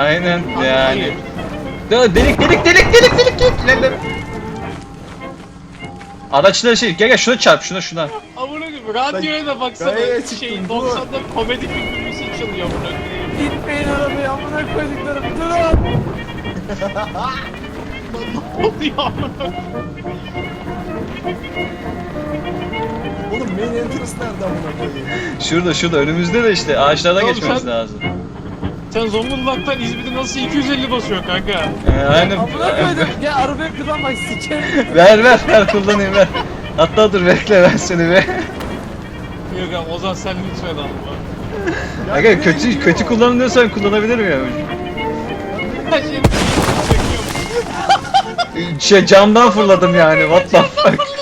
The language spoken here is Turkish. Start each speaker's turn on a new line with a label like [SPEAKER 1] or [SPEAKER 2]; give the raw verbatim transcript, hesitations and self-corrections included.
[SPEAKER 1] Aynen yani. Delik delik delik delik delik delik. İlerle. Araçla şey gel gel şuna çarp şuna şuna.
[SPEAKER 2] Amına koyayım radyoya da baksana.
[SPEAKER 3] Gayet çıktım,
[SPEAKER 2] Şey
[SPEAKER 3] dur.
[SPEAKER 2] doksanda komedi filmi müziği çalıyor amına koyayım.
[SPEAKER 4] Gitmeyin arabaya amına koyduklarım durun.
[SPEAKER 2] Ne oluyor amına koyayım?
[SPEAKER 3] Oğlum main entrance nerede amına koyayım?
[SPEAKER 1] Şurada şurada önümüzde de işte ağaçlardan
[SPEAKER 2] Oğlum
[SPEAKER 1] geçmemiz
[SPEAKER 2] sen-
[SPEAKER 1] lazım.
[SPEAKER 2] Sen Zonguldak'tan İzmir'e nasıl iki yüz elli basıyor kanka?
[SPEAKER 1] Ee, aynen.
[SPEAKER 4] Amına koydum. Gel arabaya kullanmak sikerim.
[SPEAKER 1] ver ver ver kullanayım ver. Hatta dur bekle ben seni be.
[SPEAKER 2] Yok abi Ozan sen lütfen alma.
[SPEAKER 1] Aga kötü kötü kullanın diyorsan kullanabilirim ya.
[SPEAKER 2] Her şeyi çekiyorum.
[SPEAKER 1] Şey camdan fırladım yani what the fuck.